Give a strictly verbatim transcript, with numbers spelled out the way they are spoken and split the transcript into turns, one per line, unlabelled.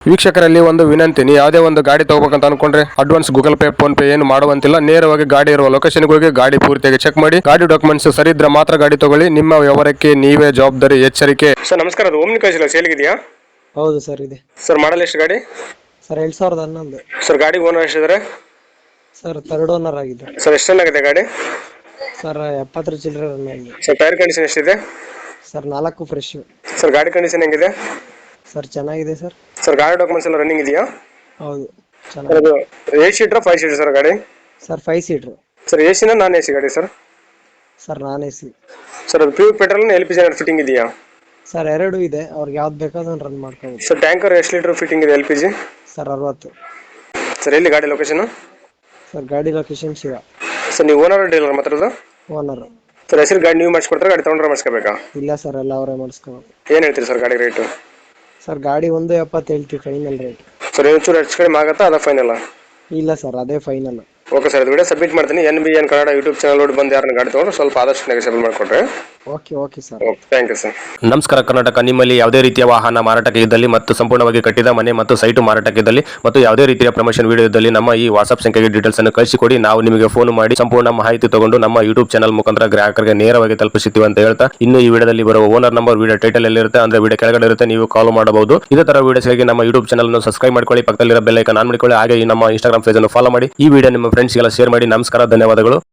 ವೀಕ್ಷಕರಲ್ಲಿ ಒಂದು ವಿನಂತಿ, ನೀವು ಯಾವುದೇ ಒಂದು ಗಾಡಿ ತಗೋಬೇಕಂತ ಅನ್ಕೊಂಡ್ರೆ advance Google Pay PhonePe ಏನು ಮಾಡುವಂತಿಲ್ಲ. ನೇರವಾಗಿ ಗಾಡಿ ಇರುವ ಲೊಕೇಶನ್ಗೆ ಹೋಗಿ ಗಾಡಿ ಪೂರ್ತಿಯಾಗಿ ಚೆಕ್ ಮಾಡಿ, ಗಾಡಿ ಡಾಕ್ಯುಮೆಂಟ್ಸ್ ಸರಿ ಇದ್ರೆ ಮಾತ್ರ ಗಾಡಿ ತಗೊಳ್ಳಿ. ನಿಮ್ಮ ವ್ಯವಹಾರಕ್ಕೆ ನೀವೇ ಜವಾಬ್ದಾರಿ. ಎಚ್ಚರಿಕೆ. ಸರ್ ನಮಸ್ಕಾರ, ಅದು ಓಮ್ನಿ ಕಳಿಸಿಲ್ಲ ಸೇಲ್ಗಿದೆಯಾ?
ಹೌದು ಸರ್ ಇದೆ
ಸರ್ ಮಾಡಲ್ ಎಷ್ಟು ಗಾಡಿ?
ಸರ್ ಎರಡ್ ಸಾವಿರದ ಹನ್ನೊಂದು.
ಸರ್ ಗಾಡಿ ಓನರ್ ಎಷ್ಟಿದ್ದಾರೆ?
ಸರ್ ಥರ್ಡ್ ಓನರ್ ಆಗಿದೆ.
ಸರ್ ಎಷ್ಟು ಚೆನ್ನಾಗಿದೆ ಗಾಡಿ?
ಸರ್ ಎಪ್ಪತ್ತರ ಚಿಲ್ಲರೆ ರನ್ ಆಗಿದೆ.
ಸರ್ ಟೈರ್ ಕಂಡೀಷನ್ ಎಷ್ಟಿದೆ?
ಸರ್ ನಾಲ್ಕು ಫ್ರೆಶ್.
ಸರ್ ಗಾಡಿ ಕಂಡೀಷನ್ ಹೆಂಗಿದೆ?
ಸರ್ ಚೆನ್ನಾಗಿದೆ ಸರ್.
ಸರ್ ಗಾಡಿ ಡಾಕ್ಯುಮೆಂಟ್ಸ್ ಎಲ್ಲ ರನ್ನಿಂಗ್ ಇದೆಯಾ?
ಹೌದು
ಸರ್
ಚೆನ್ನಾಗಿದೆ.
ಅದು eight seater five seater sir ಗಾಡಿ?
Sir five seater.
Sir A ಸಿನ ನಾನ್ ಎ ಸಿ ಗಾಡಿ sir?
Sir non A C.
Sir ಅದು pure petrol L P G fitting ಇದೆಯಾ?
ಸರ್ ಎರಡು ಇದೆ, ಅವ್ರಿಗೆ ಯಾವ್ದು ಬೇಕೋ ಅದನ್ನು ರನ್ ಮಾಡ್ಕೋಬೋದು.
ಸರ್ ಟ್ಯಾಂಕರ್ ಎಷ್ಟು ಲೀಟರ್ ಫಿಟ್ಟಿಂಗ್ ಇದೆ ಎಲ್ ಪಿ ಜಿ?
ಸರ್ ಅರವತ್ತು.
ಸರ್ ಎಲ್ಲಿ ಗಾಡಿ ಲೊಕೇಶನ್?
ಸರ್ ಗಾಡಿ ಲೊಕೇಶನ್ ಶಿವ.
ಸರ್ ನೀವು ಓನರ್ ಡೀಲರ್ ಮಾತಾಡೋದು?
ಓನರ್.
ಸರ್ ಹೆಸರು ಗಾಡಿ ನೀವು ಮಾಡಿಸ್ಕೊಡ್ತಾರೆ, ಗಾಡಿ ತೊಗೊಂಡ್ರೆ ಮಾಡಿಸ್ಕೋಬೇಕಾ?
ಇಲ್ಲ ಸರ್, ಎಲ್ಲ ಅವರೇ ಮಾಡಿಸ್ಕೋಬೋದು.
ಏನು ಹೇಳ್ತೀರಿ ಸರ್ ಗಾಡಿ ರೇಟು?
ಸರ್ ಗಾಡಿ ಒಂದು ಎಪ್ಪತ್ತು ಹೇಳ್ತೀವಿ ಫೈನಲ್ ರೇಟ್.
ಸರ್ ಒಂಚೂರು ಹೆಚ್ಚು ಕಡಿಮೆ ಆಗುತ್ತಾ, ಅದ ಫೈನಲ್?
ಇಲ್ಲ ಸರ್, ಅದೇ ಫೈನಲ್.
ಓಕೆ ಸರ್, ಅದು ವಿಡಿಯೋ ಸಬ್ಮಿಟ್ ಮಾಡ್ತೀನಿ. N B N Kannada YouTube channel ನೋಡಿ ಬಂದು ಯಾರನ್ನ ಗಾಡಿ ತೊಗೊಂಡ್ರೆ ಸ್ವಲ್ಪ ಆದಷ್ಟು ನೆಗೆಸೇಬಲ್ ಮಾಡಿಕೊಡ್ರೆ.
Okay okay sir.
Okay, thank you sir.
ನಮಸ್ಕಾರ ಕರ್ನಾಟಕ. ನಿಮ್ಮಲ್ಲಿ ಯಾವುದೇ ರೀತಿಯ ವಾಹನ ಮಾರಾಟಕ್ಕೆ ಇದ್ದಲ್ಲಿ ಮತ್ತು ಸಂಪೂರ್ಣವಾಗಿ ಕಟ್ಟಿದ ಮನೆ ಮತ್ತು ಸೈಟು ಮಾರಾಟಕ್ಕೆ ಇದ್ದಲ್ಲಿ ಮತ್ತು ಯಾವುದೇ ರೀತಿಯ ಪ್ರಮೋಷನ್ ವಿಡಿಯೋ ಇದ್ದಲ್ಲಿ ನಮ್ಮ ಈ ವಾಟ್ಸ್ಆಪ್ ಸಂಖ್ಯೆಗೆ ಡೀಟೇಲ್ಸ್ ಅನ್ನು ಕಳಿಸಿಕೊಡಿ. ನಾವು ನಿಮಗೆ ಫೋನ್ ಮಾಡಿ ಸಂಪೂರ್ಣ ಮಾಹಿತಿ ತಗೊಂಡು ನಮ್ಮ ಯೂಟ್ಯೂಬ್ ಚಾನಲ್ ಮುಖಾಂತರ ಗ್ರಾಹಕರಿಗೆ ನೇರವಾಗಿ ತಲುಪಿಸುತ್ತೀವಿ ಅಂತ ಹೇಳ್ತಾ, ಇನ್ನು ಈ ವಿಡಿಯೋದಲ್ಲಿ ಬರುವ ಓನರ್ ನಂಬರ್ ವಿಡಿಯೋ ಟೈಟಲ್ ಎಲ್ಲಿರುತ್ತೆ ಅಂದ್ರೆ ವಿಡಿಯೋ ಕೆಳಗಡೆ ಇರುತ್ತೆ, ನೀವು ಕಾಲ್ ಮಾಡಬಹುದು. ಇದೇ ತರ ವಿಡಿಯೋಸ್ಗಾಗಿ ನಮ್ಮ ಯೂಟ್ಯೂಬ್ ಚಾನಲ್ ಅನ್ನು ಸಬ್ಸ್ಕ್ರೈಬ್ ಮಾಡ್ಕೊಳ್ಳಿ, ಪಕ್ಕದಲ್ಲಿರೋ ಬೆಲ್ ಐಕಾನ್ ಆನ್ ಮಾಡಿಕೊಳ್ಳಿ. ಹಾಗೆ ಈ ನಮ್ಮ ಇನ್ಸ್ಟಾಗ್ರಾಮ್ ಪೇಜ್ ಅನ್ನು ಫಾಲೋ ಮಾಡಿ. ಈ ವಿಡಿಯೋ ನಿಮ್ಮ ಫ್ರೆಂಡ್ಸ್ಗೆಲ್ಲ ಶೇರ್ ಮಾಡಿ. ನಮಸ್ಕಾರ, ಧನ್ಯವಾದಗಳು.